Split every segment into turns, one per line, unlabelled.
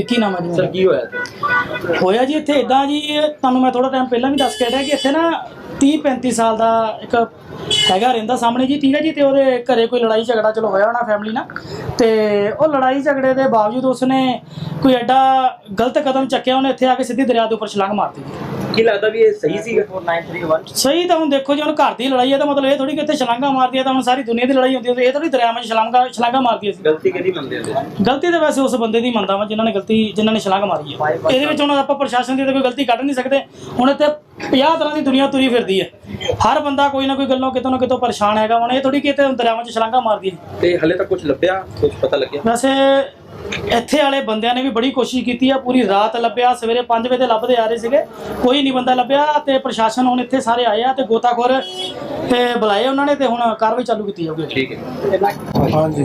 ਵਿੱਕੀ ਨਾਮ ਹੈ ਜੀ
ਸਰ ਕੀ ਹੋਇਆ
ਜੀ ਇੱਥੇ ਇਦਾਂ ਜੀ ਤੁਹਾਨੂੰ ਮੈਂ ਥੋੜਾ ਟਾਈਮ ਪਹਿਲਾਂ ਵੀ ਦੱਸ ਕੇ ਹਟਿਆ ਕਿ ਇੱਥੇ ਨਾ 30-35 ਸਾਲ ਦਾ ਇੱਕ ਹੈਗਾ ਰਹਿੰਦਾ ਸਾਹਮਣੇ ਜੀ, ਠੀਕ ਹੈ ਜੀ। ਤੇ ਉਹਦੇ ਘਰੇ ਕੋਈ ਲੜਾਈ ਝਗੜਾ ਚਲੋ ਹੋਇਆ ਹੋਣਾ ਫੈਮਿਲੀ ਨਾਲ, ਤੇ ਉਹ ਲੜਾਈ ਝਗੜੇ ਦੇ ਬਾਵਜੂਦ ਉਸਨੇ ਕੋਈ ਐਡਾ ਗਲਤ ਕਦਮ ਚੱਕਿਆ, ਉਹਨੇ ਇੱਥੇ ਆ ਕੇ ਸਿੱਧੀ ਦਰਿਆ ਦੇ ਉੱਪਰ ਛਲਾਂਗ ਮਾਰਤੀ ਜੀ।
ਕੀ ਲੱਗਦਾ ਵੀ ਇਹ ਸਹੀ ਸੀਗਾ?
ਸਹੀ ਤਾਂ ਹੁਣ ਦੇਖੋ ਜੀ, ਹੁਣ ਘਰ ਦੀ ਲੜਾਈ ਹੈ ਤਾਂ ਮਤਲਬ ਇਹ ਥੋੜੀ ਕਿ ਇੱਥੇ ਛਲਾਂਗਾ ਮਾਰਦੀ ਹੈ ਤਾਂ ਹੁਣ ਸਾਰੀ ਦੁਨੀਆ ਦੀ ਲੜਾਈ ਹੁੰਦੀ ਹੈ, ਇਹ ਥੋੜੀ ਦਰਿਆ ਵਿੱਚ ਛਲਾਂਗਾ ਮਾਰਦੀ ਸੀ।
ਗਲਤੀ ਕਿਹਦੀ ਮੰਨਦੇ ਹੋ?
ਗਲਤੀ ਤਾਂ ਵੈਸੇ ਉਸ ਬੰਦੇ ਦੀ ਮੰਨਦਾ ਵਾ ਜਿਨ੍ਹਾਂ ਨੇ ਛਲਾਂਗ ਮਾਰੀ ਹੈ। ਇਹਦੇ ਵਿੱਚ ਹੁਣ ਆਪਾਂ ਪ੍ਰਸ਼ਾਸਨ ਦੀ ਤਾਂ ਕੋਈ ਗਲਤੀ ਕੱਢ ਨਹੀਂ ਸਕਦੇ। ਹੁਣ ਇੱਥੇ 50 ਤਰ੍ਹਾਂ ਦੀ ਦੁਨੀਆ ਤੁਰੀ ਫਿਰਦੀ ਹੈ, ਹਰ ਬੰਦਾ ਕੋਈ ਨਾ ਕੋਈ ਗੱਲੋਂ ਕਿਤੋਂ ਨਾ ਕਿਤੋਂ ਪਰੇਸ਼ਾਨ ਹੈਗਾ। ਹੁਣ ਇਹ ਥੋੜੀ ਕਿ ਇੱਥੇ ਦਰਿਆਵਾਂ 'ਚ ਛਲਾਂਗਾ ਮਾਰਦੀ ਹੈ।
ਤੇ ਹਲੇ ਤੱਕ ਕੁਝ ਲੱਭਿਆ, ਕੁਝ ਪਤਾ ਲੱਗਿਆ?
ਵੈਸੇ ਇੱਥੇ ਵਾਲੇ ਬੰਦਿਆਂ ਨੇ ਵੀ ਬੜੀ ਕੋਸ਼ਿਸ਼ ਕੀਤੀ ਆ, ਪੂਰੀ ਰਾਤ ਲੱਭਿਆ, ਸਵੇਰੇ 5 ਵਜੇ ਲੱਭਦੇ ਆ ਰਹੇ ਸੀਗੇ, ਕੋਈ ਨਹੀਂ ਬੰਦਾ ਲੱਭਿਆ। ਤੇ ਪ੍ਰਸ਼ਾਸਨ ਹੁਣ ਇੱਥੇ ਸਾਰੇ ਆਏ ਆ ਤੇ ਗੋਤਾਖੋਰ ਤੇ ਬੁਲਾਏ ਉਹਨਾਂ ਨੇ, ਤੇ ਹੁਣ ਕਾਰਵਾਈ ਚਾਲੂ ਕੀਤੀ ਜਾਊਗੀ।
ਠੀਕ ਹੈ।
ਹਾਂਜੀ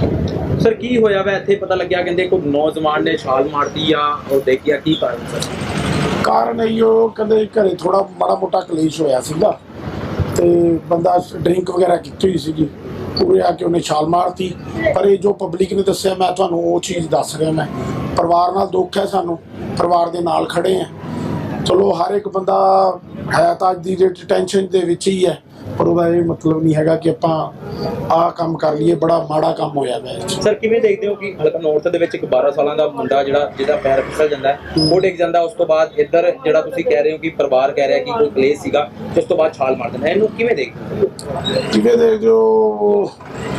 ਸਰ ਕੀ ਹੋਇਆ ਵਾ ਇੱਥੇ? ਪਤਾ ਲੱਗਿਆ ਕਹਿੰਦੇ ਕੋਈ ਨੌਜਵਾਨ ਨੇ ਛਾਲ ਮਾਰਤੀ ਆ, ਉਹ ਦੇਖਿਆ ਕੀ ਕਾਰਨ ਸਰ?
ਕਾਰਨ ਇਹੋ ਕਹਿੰਦੇ ਘਰੇ ਥੋੜਾ ਮਾੜਾ ਮੋਟਾ ਕਲੇਸ਼ ਹੋਇਆ ਸੀਗਾ, ਤੇ ਬੰਦਾ ਡਰਿੰਕ ਵਗੈਰਾ ਕੀਤੀ ਹੋਈ ਸੀਗੀ, ਪੂਰੇ ਆ ਕੇ ਉਹਨੇ ਛਾਲ ਮਾਰਤੀ। ਪਰ ਇਹ ਜੋ ਪਬਲਿਕ ਨੇ ਦੱਸਿਆ, ਮੈਂ ਤੁਹਾਨੂੰ ਉਹ ਚੀਜ਼ ਦੱਸ ਰਿਹਾ। ਮੈਂ ਪਰਿਵਾਰ ਨਾਲ ਦੁੱਖ ਹੈ, ਸਾਨੂੰ ਪਰਿਵਾਰ ਦੇ ਨਾਲ ਖੜੇ ਆ। ਚਲੋ ਹਰ ਇੱਕ ਬੰਦਾ ਹੈ ਤਾਂ ਅੱਜ ਦੀ ਡੇਟ ਟੈਨਸ਼ਨ ਦੇ ਵਿੱਚ ਹੀ ਹੈ, ਪਰ ਉਹਦਾ ਇਹ ਮਤਲਬ ਨਹੀਂ ਹੈਗਾ ਕਿ ਆਪਾਂ ਆਹ ਕੰਮ ਕਰ ਲਈਏ। ਬੜਾ ਮਾੜਾ ਕੰਮ ਹੋਇਆ ਵੈ।
ਸਰ ਕਿਵੇਂ ਦੇਖਦੇ ਹੋ ਕਿ ਹਲਕਾ ਨੌਰਥ ਦੇ ਵਿੱਚ ਇੱਕ 12 ਸਾਲਾਂ ਦਾ ਮੁੰਡਾ ਜਿਹਦਾ ਪੈਰ ਫਿਸਲ ਜਾਂਦਾ, ਉਹ ਡਿੱਗ ਜਾਂਦਾ, ਉਸ ਤੋਂ ਬਾਅਦ ਇੱਧਰ ਜਿਹੜਾ ਤੁਸੀਂ ਕਹਿ ਰਹੇ ਹੋ ਕਿ ਪਰਿਵਾਰ ਕਹਿ ਰਿਹਾ ਕਿ ਕੋਈ ਕਲੇਸ਼ ਸੀਗਾ, ਉਸ ਤੋਂ ਬਾਅਦ ਛਾਲ ਮਾਰ ਦਿੰਦਾ, ਇਹਨੂੰ ਕਿਵੇਂ ਦੇਖਦੇ ਹੋ?
ਕਿਵੇਂ ਦੇਖਦੇ ਹੋ?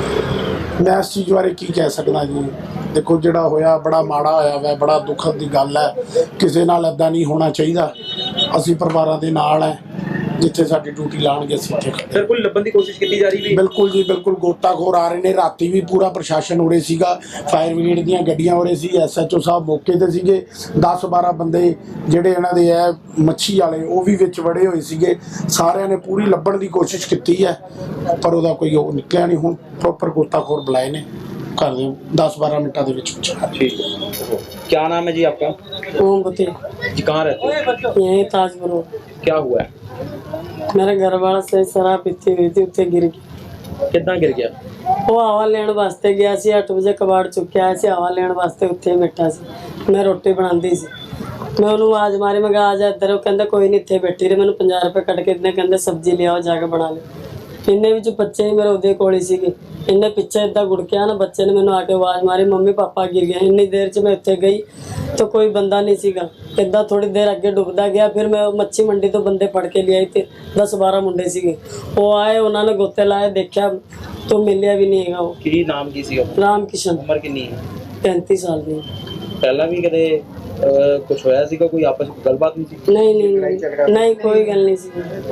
ਮੈਂ ਇਸ ਚੀਜ਼ ਬਾਰੇ ਕੀ ਕਹਿ ਸਕਦਾ ਜੀ। ਦੇਖੋ ਜਿਹੜਾ ਹੋਇਆ ਬੜਾ ਮਾੜਾ ਹੋਇਆ ਵੈ, ਬੜਾ ਦੁੱਖਦ ਦੀ ਗੱਲ ਹੈ। ਕਿਸੇ ਨਾਲ ਇੱਦਾਂ ਨਹੀਂ ਹੋਣਾ ਚਾਹੀਦਾ। ਅਸੀਂ ਪਰਿਵਾਰਾਂ ਦੇ ਨਾਲ ਹੈ, ਜਿੱਥੇ ਸਾਡੀ ਡਿਊਟੀ ਲਾਉਣਗੇ ਅਸੀਂ ਉੱਥੇ।
ਸਰ ਕੋਈ ਲੱਭਣ ਦੀ ਕੋਸ਼ਿਸ਼ ਕੀਤੀ ਜਾ ਰਹੀ ਵੀ?
ਬਿਲਕੁਲ ਜੀ ਬਿਲਕੁਲ, ਗੋਤਾਖੋਰ ਆ ਰਹੇ ਨੇ। ਰਾਤੀ ਵੀ ਪੂਰਾ ਪ੍ਰਸ਼ਾਸਨ ਉਰੇ ਸੀਗਾ, ਫਾਇਰ ਬ੍ਰਿਗੇਡ ਦੀਆਂ ਗੱਡੀਆਂ ਉਰੇ ਸੀ, SHO ਸਾਹਿਬ ਮੌਕੇ ਤੇ ਸੀਗੇ। 10-12 ਬੰਦੇ ਜਿਹੜੇ ਇਹਨਾਂ ਦੇ ਹੈ ਮੱਛੀ ਵਾਲੇ, ਉਹ ਵੀ ਵਿੱਚ ਵੜੇ ਹੋਏ ਸੀਗੇ। ਸਾਰਿਆਂ ਨੇ ਪੂਰੀ ਲੱਭਣ ਦੀ ਕੋਸ਼ਿਸ਼ ਕੀਤੀ ਹੈ, ਪਰ ਉਹਦਾ ਕੋਈ ਉਹ ਨਿਕਲਿਆ ਨਹੀਂ। ਹੁਣ ਪ੍ਰੋਪਰ ਗੋਤਾਖੋਰ ਬੁਲਾਏ ਨੇ, कर दें 10-12 मिनटा के विच।
ठीक है। क्या नाम है जी आपका?
ओमवती
जी। कहाँ रहते हैं?
यही ताजपुर।
क्या हुआ है?
मेरे घर वाला से शराब पीती हुई थी, उत्ते गिर गई।
कितना गिर गया?
वो हवा लेने वास्ते गया सी, 8 बजे कबाड़ चुक्या है, हवा लेने वास्ते उत्थे बैठा सी। मैं रोटी बनाती सी, मैं उन्होंने आवाज मारी, मैं कहा आ जा इधर। कहता कोई नहीं, इत्थे बैठी रहे। मैंने 50 रुपये कट के इतने कहते सब्जी ले आओ जाके बना ले। इन्ने विच बच्चे ही मेरे उदे कोल ही सीगे। इन्ने पिछे इदा गुड़किया ना, बच्चे ने मैंने आके आवाज मारी, मम्मी पापा गिर गए। इन्नी देर च मैं उत्थे गई तो कोई बंदा नहीं सीगा। इदा थोड़ी देर अगे डुबदा गया, फिर मैं मच्छी मंडी तो बंदे फड़ के ले आई थे। 10-12 मुंडे सीगे, वो आए, उन्होंने गोते लाए, देखा तो मिलिया भी नहीं है। वो
की नाम की सी?
राम किशन।
उम्र कितनी है?
35 साल की।
पहला भी कदे कुछ होया सीगा? कोई आपस में गलबात नहीं थी?
नहीं कोई गल नहीं सी।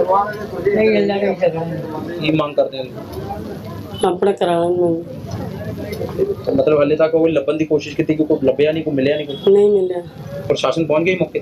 की मांग करते हैं
अपने कराने में?
तो मतलब हले तक कोई लभन की कोशिश की थी, कोई लभया नहीं, कोई मिलया नहीं? कोई
नहीं मिला।
प्रशासन पहुंच गई मौके?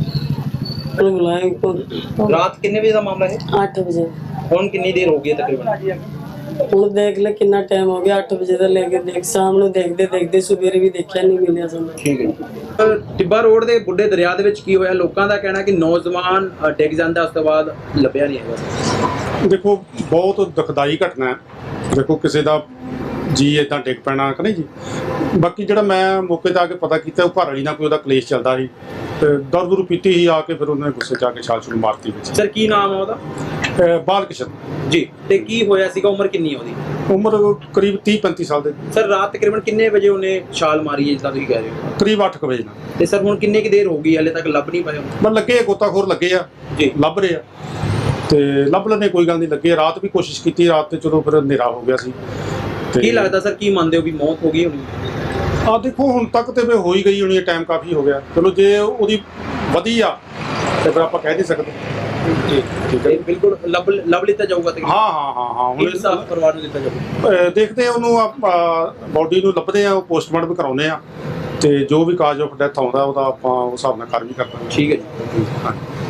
बुलाया।
रात कितने बजे का मामला है?
8 बजे।
कौन कितनी देर हो गई है तकरीबन?
ਹੁਣ देख ले कितना टाइम हो गया, 8 बजे से लेके देख शाम ਨੂੰ ਦੇਖਦੇ ਸਵੇਰੇ ਵੀ ਦੇਖਿਆ ਨਹੀਂ ਮਿਲਿਆ ਸਾਨੂੰ।
ਠੀਕ ਹੈ। ਟਿੱਬਾ ਰੋਡ ਦੇ ਬੁੱਢੇ ਦਰਿਆ ਦੇ ਵਿੱਚ ਕੀ ਹੋਇਆ? ਲੋਕਾਂ ਦਾ ਕਹਿਣਾ ਕਿ ਨੌਜਵਾਨ ਡਿੱਗ ਜਾਂਦਾ, ਉਸ ਤੋਂ ਬਾਅਦ ਲੱਭਿਆ ਨਹੀਂ ਹੈਗਾ।
ਦੇਖੋ ਬਹੁਤ ਦੁਖਦਾਈ ਘਟਨਾ ਹੈ। ਦੇਖੋ ਕਿਸੇ ਦਾ ਜੀ ਇਦਾਂ ਡਿੱਗ ਪੈਣਾ ਕਿ ਨਹੀਂ ਜੀ। ਬਾਕੀ ਜਿਹੜਾ ਮੈਂ ਮੌਕੇ ਤੇ ਆ ਕੇ ਪਤਾ ਕੀਤਾ, ਉਹ ਘਰ ਵਾਲੀ ਨਾਲ ਕੋਈ ਉਹਦਾ ਕਲੇਸ਼ ਚੱਲਦਾ ਸੀ, ਤੇ ਦਾਰੂ ਪੀਤੀ ਹੀ ਆ ਕੇ ਫਿਰ ਉਹਨੇ ਗੁੱਸੇ 'ਚ ਆ ਕੇ ਛਾਲ ਮਾਰਤੀ ਵਿੱਚ।
ਸਰ ਕੀ ਨਾਮ ਹੈ ਉਹਦਾ?
ਬਾਲ ਕਿਸ਼ਨ
ਜੀ। ਤੇ ਕੀ ਹੋਇਆ ਸੀਗਾ? ਉਮਰ ਕਿੰਨੀ ਹੈ ਉਹਦੀ?
ਉਮਰ ਕਰੀਬ 30-35 ਸਾਲ ਦੇ।
ਸਰ ਰਾਤ ਤਕਰੀਬਨ ਕਿੰਨੇ ਵਜੇ ਉਹਨੇ ਛਾਲ ਮਾਰੀ ਹੈ ਜਿੱਦਾਂ ਤੁਸੀਂ ਕਹਿ ਰਹੇ ਹੋ?
ਕਰੀਬ 8 ਵਜੇ ਨਾਲ।
ਤੇ ਸਰ ਹੁਣ ਕਿੰਨੇ ਕੀ ਦੇਰ ਹੋ ਗਈ, ਹਲੇ ਤੱਕ ਲੱਭ ਨਹੀਂ ਪਾਏ?
ਮੈਂ ਲੱਗੇ ਗੋਤਾਖੋਰ ਲੱਗੇ ਆ
ਜੀ,
ਲੱਭ ਰਹੇ ਆ, ਤੇ ਲੱਭ ਲੈਣੇ ਕੋਈ ਗੱਲ ਨਹੀਂ। ਲੱਗੇ ਰਾਤ ਵੀ ਕੋਸ਼ਿਸ਼ ਕੀਤੀ, ਰਾਤ ਤੇ ਚਲੋ ਫਿਰ ਹਨੇਰਾ ਹੋ ਗਿਆ ਸੀ।
ਕੀ ਲੱਗਦਾ ਸਰ, ਕੀ ਮੰਨਦੇ ਹੋ ਵੀ ਮੌਤ ਹੋ ਗਈ ਹੋਣੀ?
ਆ ਦੇਖੋ ਹੁਣ ਤੱਕ ਤੇ ਵੀ ਹੋ ਹੀ ਗਈ ਹੋਣੀ, ਟਾਈਮ ਕਾਫੀ ਹੋ ਗਿਆ। ਚਲੋ ਜੇ ਉਹਦੀ ਵਧੀ ਆ ਤੇ ਫਿਰ ਆਪਾਂ ਕਹਿ ਨਹੀਂ ਸਕਦੇ।
ਠੀਕ ਹੈ, ਬਿਲਕੁਲ ਲੱਭ ਲਿੱਤਾ ਜਾਊਗਾ।
ਹਾਂ
ਹੁਣ ਇਨਸਾਫ ਪਰਿਵਾਰ ਨੂੰ ਦਿੱਤਾ ਜਾਊਗਾ।
ਦੇਖਦੇ ਆ ਉਹਨੂੰ, ਬੋਡੀ ਨੂੰ ਲੱਭਦੇ ਆ, ਉਹ ਪੋਸਟਮਾਰਟਮ ਕਰਾਉਂਦੇ ਆ, ਤੇ ਜੋ ਵੀ ਕਾਜ਼ ਆਫ ਡੈਥ ਆਉਂਦਾ ਉਹਦਾ ਆਪਾਂ ਉਸ ਹਿਸਾਬ ਨਾਲ ਕਾਰਵਾਈ ਕਰਦੇ ਹਾਂ।
ਠੀਕ ਹੈ ਜੀ।